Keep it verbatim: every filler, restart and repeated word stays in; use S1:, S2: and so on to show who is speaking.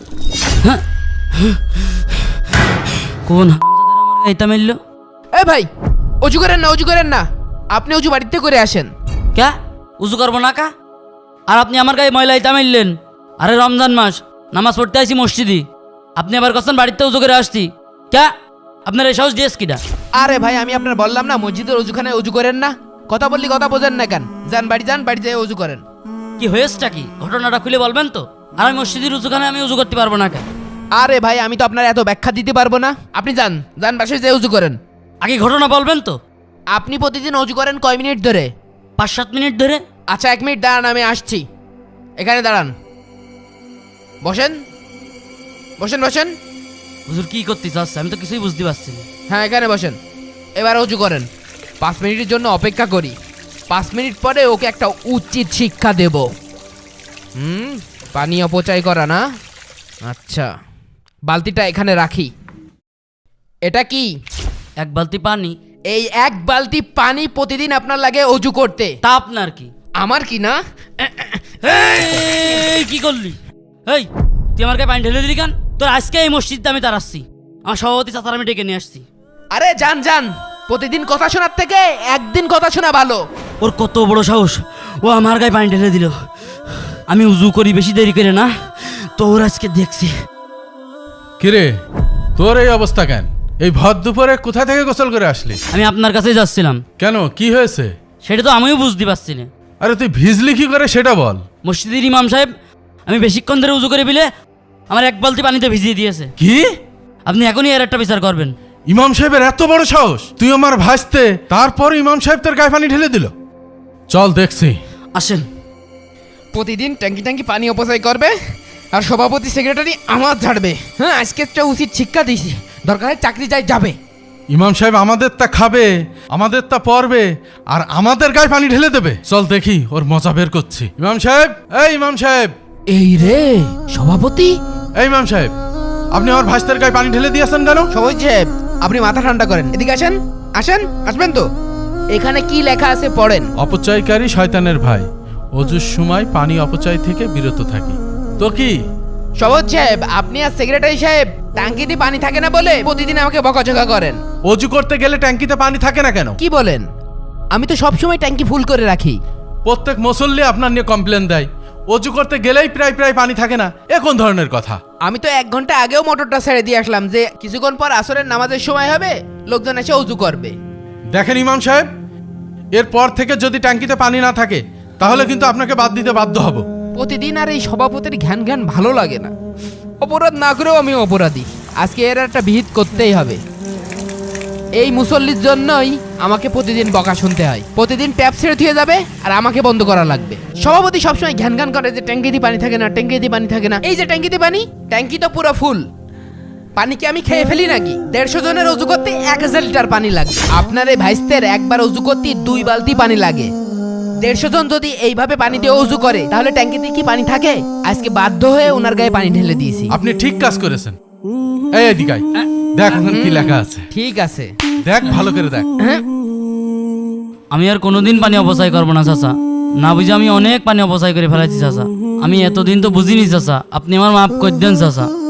S1: কোন হারামজাদারা আমার গায়ে ইটা মারলো?
S2: এ ভাই, অজু করেন না, অজু করেন না, আপনি অজু বাড়িতে করে আসেন।
S1: ক্যা উজু করবো না কা? আর আপনি আমার গায়ে ময়লা ইটা মারলেন। আরে রমজান মাস, নামাজ পড়তে আসি মসজিদি, আপনি আবার কখন বাড়িতে উজু করে আসছি? ক্যা আপনার এই সাহস দিয়েছ কিটা?
S2: আরে ভাই, আমি আপনার বললাম না মসজিদের অজুখানে অজু করেন না। কথা বললি কথা বোঝেন না কেন? যান বাড়ি যান, বাড়ি যেয়ে অজু করেন।
S1: কি হয়েছেটা কি, ঘটনাটা খুলে বলবেন তো? আর আমি মসজিদের উজুখানে আমি উজু করতে পারবো না কেন?
S2: আরে ভাই, আমি তো আপনার এত ব্যাখ্যা দিতে পারবো না। আপনি যান, যান বাসায় যেয়ে অজু করেন।
S1: আগে ঘটনা বলবেন তো।
S2: আপনি প্রতিদিন অজু করেন কয় মিনিট ধরে?
S1: পাঁচ সাত মিনিট ধরে।
S2: আচ্ছা, এক মিনিট দাঁড়ান, আমি আসছি। এখানে দাঁড়ান, বসেন বসেন বসেন।
S1: হুজুর কি করতে চাচ্ছে আমি তো কিছুই বুঝতে পারছি না।
S2: হ্যাঁ, এখানে বসেন। এবার অজু করেন। পাঁচ মিনিটের জন্য অপেক্ষা করি। পাঁচ মিনিট পরে ওকে একটা উচিত শিক্ষা দেব। হুম, পানি অপচয় করা না। আচ্ছা, বালতিটা এখানে রাখি। এটা কি?
S1: এক বালতি পানি।
S2: এই এক বালতি পানি প্রতিদিন আপনার লাগে অজু করতে।
S1: তা আপনার কি?
S2: আমার কি না?
S1: এই কি করলি? এই তুই আমার গায়ে পানি ঢেলে দিলি কেন? তোর আজকে এই মসজিদে আমি তার আসছি, আমার সভাপতি চাচার আমি ডেকে নিয়ে আসছি।
S2: আরে যান যান, প্রতিদিন কথা শোনার থেকে একদিন কথা শোনা ভালো।
S1: ওর কত বড় সাহস, ও আমার গায়ে পানি ঢেলে দিল। আমি উজু করি বেশি দেরি করে না, তো ওর আজকে দেখছি।
S3: কিরে, তোর এই অবস্থা কেন? এই ভর দুপুরে কোথা থেকে গোসল করে আসলি?
S1: আমি আপনার কাছেই যাচ্ছিলাম।
S3: কেন, কি হয়েছে?
S1: সেটা তো আমিও বুঝতে পারছি না।
S3: আরে তুই ভিজলি কি করে সেটা বল।
S1: মসজিদের ইমাম সাহেব আমি বেশিক্ষণ ধরে উজু করে বিলে আমার এক বালতি পানিতে ভিজিয়ে দিয়েছে।
S3: কি?
S1: আপনি এখনই এর একটা বিচার করবেন।
S3: ইমাম সাহেবের এত বড় সাহস? তুই আমার ভাসতে, তারপর ইমাম সাহেব তোর গায়ে পানি ঢেলে দিল? চল দেখছি।
S1: আসেন।
S2: প্রতিদিন ট্যাঙ্কি ট্যাঙ্কি পানি অপচয় করবে আর সভাপতি সেক্রেটারি আমার ঝাড়বে। হ্যাঁ, আজকে একটা উচিত শিক্ষা দিয়েছি, দরকার হয় চাকরি যাই যাবে।
S3: ইমাম সাহেব আমাদের তা খাবে, আমাদের তা পরবে, আর আমাদের গায়ে পানি ঢেলে দেবে। চল দেখি ওর মজা বের করছি। ইমাম সাহেব, এই ইমাম সাহেব।
S2: এই রে সভাপতি।
S3: এই ইমাম সাহেব, আপনি আমার ভাসতের গায়ে পানি ঢেলে দিয়েছেন কেন?
S2: সভাপতি সাহেব, আপনি মাথা ঠান্ডা করেন, এদিকে আসেন। আসেন, আসবেন তো। এখানে কি লেখা আছে পড়েন।
S3: অপচয়কারী শয়তানের ভাই, অজুর সময় পানি অপচয় থেকে বিরত থাকি। তো কি?
S2: সভাপতি সাহেব, আপনি আর সেক্রেটারি সাহেব ট্যাঙ্কিতে পানি থাকে না বলে প্রতিদিন আমাকে বকাঝকা করেন।
S3: অজু করতে গেলে ট্যাঙ্কিতে পানি থাকে না কেন?
S2: কি বলেন? আমি তো সবসময় ট্যাঙ্কি ফুল করে রাখি।
S3: প্রত্যেক মুসল্লি আপনার নিয়ে কমপ্লেন দেয়, অজু করতে গেলেই প্রায় প্রায় পানি থাকে না। এ কোন ধরনের কথা?
S2: আমি তো এক ঘন্টা আগেও মোটরটা ছেড়ে দিয়ে আসলাম যে কিছুক্ষণ পর আসরের নামাজের সময় হবে, লোকজন এসে অজু করবে।
S3: দেখেন ইমাম সাহেব, এরপর থেকে যদি ট্যাঙ্কিতে পানি না থাকে তাহলে কিন্তু আপনাকে বাদ দিতে বাধ্য হব।
S2: প্রতিদিন আর এই সভাপতির ঘ্যান ঘ্যান ভালো লাগে না। অপরাধ না করেও আমি অপরাধী, আজকে এর একটা বিহিত করতেই হবে। এই মুসল্লির জন্যই আমাকে প্রতিদিন বকা শুনতে হয়। প্রতিদিন ট্যাপ ছেড়ে ধুয়ে যাবে আর আমাকে বন্ধ করা লাগবে। সভাপতি সবসময় ঘ্যান ঘ্যান করে যে ট্যাঙ্কিতে পানি থাকে না, ট্যাঙ্কিতে পানি থাকে না। এই যে ট্যাঙ্কিতে পানি, ট্যাঙ্কি তো পুরো ফুল। পানি কি আমি খেয়ে ফেলি নাকি? দেড়শো জনের অজু করতে এক হাজার লিটার পানি লাগে। আপনার এই ভাইস্তের একবার অজু করতে দুই বালতি পানি লাগে। দেড়শো জন যদি এইভাবে পানি দিয়ে অজু করে তাহলে ট্যাঙ্কিতে কি পানি থাকে? আজকে বাধ্য হয়ে ওনার গায়ে পানি ঢেলে দিয়েছি।
S3: আপনি ঠিক কাজ করেছেন। এই এদিকে আয়, দেখ ওখানে কি লেখা আছে।
S2: ঠিক আছে,
S3: দেখ ভালো করে দেখ।
S1: আমি আর কোনোদিন পানি অপচয় করবো না চাচা। না বুঝে আমি অনেক পানি অপচয় করে ফেলাইছি চাচা। আমি এতদিন তো বুঝিনি চাচা, আপনি আমার মাফ করে দেন চাচা।